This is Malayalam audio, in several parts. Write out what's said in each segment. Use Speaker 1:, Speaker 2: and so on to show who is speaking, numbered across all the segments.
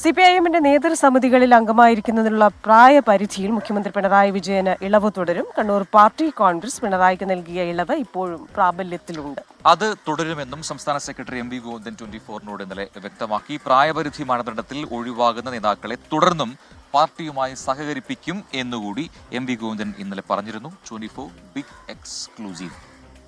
Speaker 1: സിപിഐഎമ്മിന്റെ നേതൃസമിതികളിൽ അംഗമായിരിക്കുന്നതിനുള്ള പ്രായപരിധിയിൽ മുഖ്യമന്ത്രി പിണറായി വിജയന് ഇളവ് തുടരും. കണ്ണൂർ പാർട്ടി കോൺഗ്രസ് പിണറായിക്ക് നൽകിയ ഇളവ് ഇപ്പോഴും പ്രാബല്യത്തിലുണ്ട്.
Speaker 2: അത് തുടരുമെന്നും സംസ്ഥാന സെക്രട്ടറി എം വി ഗോവിന്ദൻ 24 ഇന്നലെ വ്യക്തമാക്കി. പ്രായപരിധി മാനദണ്ഡത്തിൽ ഒഴിവാകുന്ന നേതാക്കളെ തുടർന്നും പാർട്ടിയുമായി സഹകരിപ്പിക്കും എന്നുകൂടി എം വി ഗോവിന്ദൻ ഇന്നലെ പറഞ്ഞിരുന്നു. 24 ബിഗ് എക്സ്ക്ലൂസീവ്.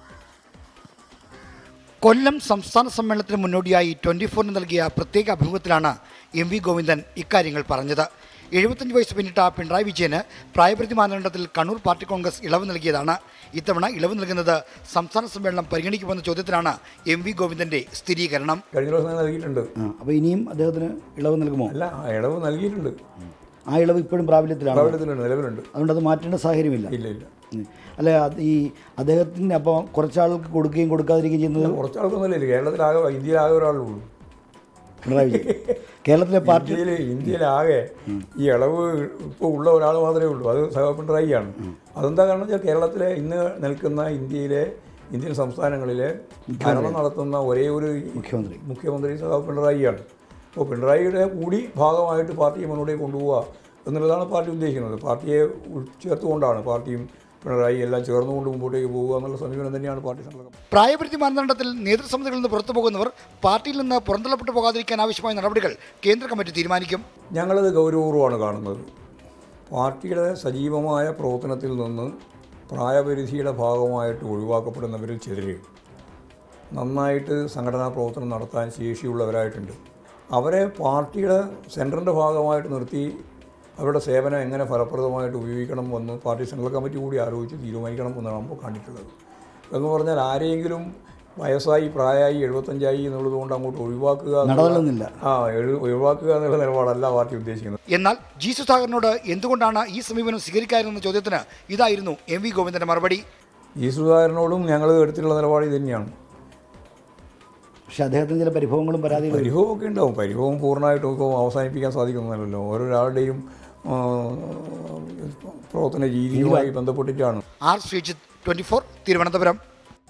Speaker 3: കൊല്ലം സംസ്ഥാന സമ്മേളനത്തിന് മുന്നോടിയായി 24 നൽകിയ പ്രത്യേക അഭിമുഖത്തിലാണ് എം വി ഗോവിന്ദൻ ഇക്കാര്യങ്ങൾ പറഞ്ഞത്. 75 വയസ്സ് പിന്നിട്ട പിണറായി വിജയന് പ്രായപരിധി മാനദണ്ഡത്തിൽ കണ്ണൂർ പാർട്ടി കോൺഗ്രസ് ഇളവ് നൽകിയതാണ്. ഇത്തവണ ഇളവ് നൽകുന്നത് സംസ്ഥാന സമ്മേളനം പരിഗണിക്കുമെന്ന ചോദ്യത്തിലാണ് എം വി ഗോവിന്ദന്റെ സ്ഥിരീകരണം.
Speaker 4: കഴിഞ്ഞ ദിവസം നൽകിയിട്ടുണ്ട്.
Speaker 3: അപ്പോൾ ഇനിയും അദ്ദേഹത്തിന് ഇളവ് നൽകുമോ?
Speaker 4: അല്ല, ഇളവ് നൽകിയിട്ടുണ്ട്.
Speaker 3: ആ ഇളവ് ഇപ്പോഴും പ്രാബല്യത്തിലാണ്,
Speaker 4: നിലവിലുണ്ട്.
Speaker 3: അതുകൊണ്ട് അത് മാറ്റേണ്ട സാഹചര്യമില്ല.
Speaker 4: ഇല്ല.
Speaker 3: അല്ല, ഈ അദ്ദേഹത്തിന് അപ്പോൾ കുറച്ചാൾക്ക് കൊടുക്കുകയും കൊടുക്കാതിരിക്കുകയും ചെയ്യുന്നത്
Speaker 4: കുറച്ചാൾക്കൊന്നുമില്ല. കേരളത്തിലാകെ, ഇന്ത്യയിലാകെ ഒരാളുള്ളൂ
Speaker 3: പിണറായി വിജയൻ. കേരളത്തിലെ പാർട്ടി
Speaker 4: ഇന്ത്യയിലാകെ ഈ ഇളവ് ഇപ്പോൾ ഉള്ള ഒരാൾ മാത്രമേ ഉള്ളൂ, അത് സഹ പിണറായിയാണ്. അതെന്താ കാരണം വെച്ചാൽ കേരളത്തിലെ ഇന്ന് നിൽക്കുന്ന ഇന്ത്യൻ സംസ്ഥാനങ്ങളിലെ ഭരണം നടത്തുന്ന ഒരേ ഒരു മുഖ്യമന്ത്രി സഹ പിണറായിയാണ്. അപ്പോൾ പിണറായിയുടെ കൂടി ഭാഗമായിട്ട് പാർട്ടിയെ മുന്നോട്ടേക്ക് കൊണ്ടുപോവുക എന്നുള്ളതാണ് പാർട്ടി ഉദ്ദേശിക്കുന്നത്. പാർട്ടിയെ ചേർത്തുകൊണ്ടാണ് പാർട്ടിയും പിണറായി എല്ലാം ചേർന്നുകൊണ്ട് മുമ്പോട്ടേക്ക് പോകുക എന്നുള്ള സമീപനം തന്നെയാണ് പാർട്ടി സംഘടന.
Speaker 3: പ്രായപരിധി മാനദണ്ഡത്തിൽ നേതൃസമിതികളിൽ നിന്ന് പുറത്തു പോകുന്നവർ പാർട്ടിയിൽ നിന്ന് പുറന്തള്ളപ്പെട്ടു പോകാതിരിക്കാൻ ആവശ്യമായ നടപടികൾ കേന്ദ്ര കമ്മിറ്റി തീരുമാനിക്കും.
Speaker 4: ഞങ്ങളത് ഗൗരവപൂർവ്വമാണ് കാണുന്നത്. പാർട്ടിയുടെ സജീവമായ പ്രവർത്തനത്തിൽ നിന്ന് പ്രായപരിധിയുടെ ഭാഗമായിട്ട് ഒഴിവാക്കപ്പെടുന്നവരിൽ ചിലർ നന്നായിട്ട് സംഘടനാ പ്രവർത്തനം നടത്താൻ ശേഷിയുള്ളവരായിട്ടുണ്ട്. അവരെ പാർട്ടിയുടെ സെൻറ്ററിൻ്റെ ഭാഗമായിട്ട് നിർത്തി അവരുടെ സേവനം എങ്ങനെ ഫലപ്രദമായിട്ട് ഉപയോഗിക്കണം എന്ന് പാർട്ടി സെൻട്രൽ കമ്മിറ്റി കൂടി ആലോചിച്ച് തീരുമാനിക്കണം എന്നാണ് നമ്മൾ കണ്ടിട്ടുള്ളത്. എന്ന് പറഞ്ഞാൽ ആരെങ്കിലും വയസ്സായി, പ്രായമായി, 75 എന്നുള്ളത് കൊണ്ട് അങ്ങോട്ട് ഒഴിവാക്കുക എന്നുള്ള നിലപാടല്ല പാർട്ടി ഉദ്ദേശിക്കുന്നത്.
Speaker 3: എന്നാൽ ജി സുധാകരനോട് എന്തുകൊണ്ടാണ് ഈ സമീപനം സ്വീകരിക്കാതിരുന്ന ചോദ്യത്തിന് ഇതായിരുന്നു എം വി ഗോവിന്ദന്റെ മറുപടി.
Speaker 4: ജി സുധാകരനോടും ഞങ്ങൾ എടുത്തിട്ടുള്ള നിലപാട് ഇത് തന്നെയാണ്.
Speaker 3: പക്ഷെ അദ്ദേഹത്തിന് ചില പരിഭവങ്ങളും
Speaker 4: പരിഭവമൊക്കെ ഉണ്ടാവും. പരിഭവം പൂർണ്ണമായിട്ടും ഇപ്പോൾ അവസാനിപ്പിക്കാൻ സാധിക്കുന്നതല്ലോ. ഓരോരാളുടെയും പ്രവർത്തന രീതിയുമായി ബന്ധപ്പെട്ടിട്ടാണ്.
Speaker 3: ആർ ശ്രീജിത്ത്, 24 തിരുവനന്തപുരം.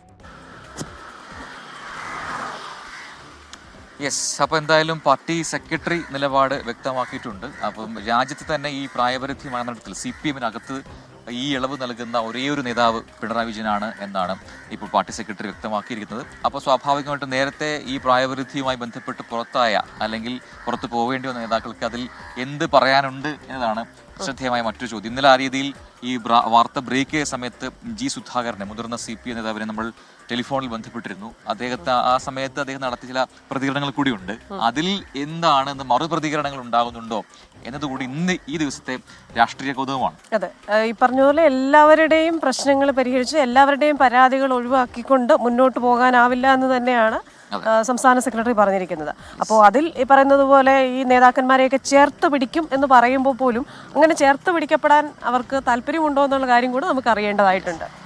Speaker 2: യെസ്, അപ്പോൾ എന്തായാലും പാർട്ടി സെക്രട്ടറി നിലപാട് വ്യക്തമാക്കിയിട്ടുണ്ട്. അപ്പം രാജ്യത്ത് തന്നെ ഈ പ്രായപരിധി മാനദണ്ഡത്തിൽ CPM-നകത്ത് ഈ ഇളവ് നൽകുന്ന ഒരേ ഒരു നേതാവ് പിണറായി വിജയനാണ് എന്നാണ് ഇപ്പോൾ പാർട്ടി സെക്രട്ടറി വ്യക്തമാക്കിയിരിക്കുന്നത്. അപ്പോൾ സ്വാഭാവികമായിട്ടും നേരത്തെ ഈ പ്രായപരിധിയുമായി ബന്ധപ്പെട്ട് പുറത്തായ അല്ലെങ്കിൽ പുറത്തു പോവേണ്ടി വന്ന നേതാക്കൾക്ക് അതിൽ എന്ത് പറയാനുണ്ട് എന്നതാണ് ശ്രദ്ധേയമായ മറ്റൊരു ചോദ്യം. ഇന്നലെ ആ രീതിയിൽ ഈ വാർത്ത ബ്രേക്ക് ചെയ്ത സമയത്ത് ജി സുധാകരനെ, മുതിർന്ന CPM നേതാവിനെ നമ്മൾ ടെലിഫോണിൽ ബന്ധപ്പെട്ടിരുന്നു. ആ സമയത്ത് അദ്ദേഹം നടത്തിയ ചില പ്രതികരണങ്ങൾ കൂടിയുണ്ട്. അതിൽ എന്താണ് മറുപ്രതികരണങ്ങൾ ഉണ്ടാകുന്നുണ്ടോ എന്നതുകൂടി ഇന്ന് ഈ ദിവസത്തെ രാഷ്ട്രീയ കൗതുകമാണ്.
Speaker 1: അതെ, ഈ പറഞ്ഞതുപോലെ എല്ലാവരുടെയും പ്രശ്നങ്ങൾ പരിഹരിച്ച് എല്ലാവരുടെയും പരാതികൾ ഒഴിവാക്കിക്കൊണ്ട് മുന്നോട്ട് പോകാനാവില്ല എന്ന് തന്നെയാണ് സംസ്ഥാന സെക്രട്ടറി പറഞ്ഞിരിക്കുന്നത്. അപ്പോൾ അതിൽ ഈ പറയുന്നത് പോലെ ഈ നേതാക്കന്മാരെയൊക്കെ ചേർത്ത് പിടിക്കും എന്ന് പറയുമ്പോൾ പോലും അങ്ങനെ ചേർത്ത് പിടിക്കപ്പെടാൻ അവർക്ക് താല്പര്യമുണ്ടോ എന്നുള്ള കാര്യം കൂടെ നമുക്ക് അറിയേണ്ടതായിട്ടുണ്ട്.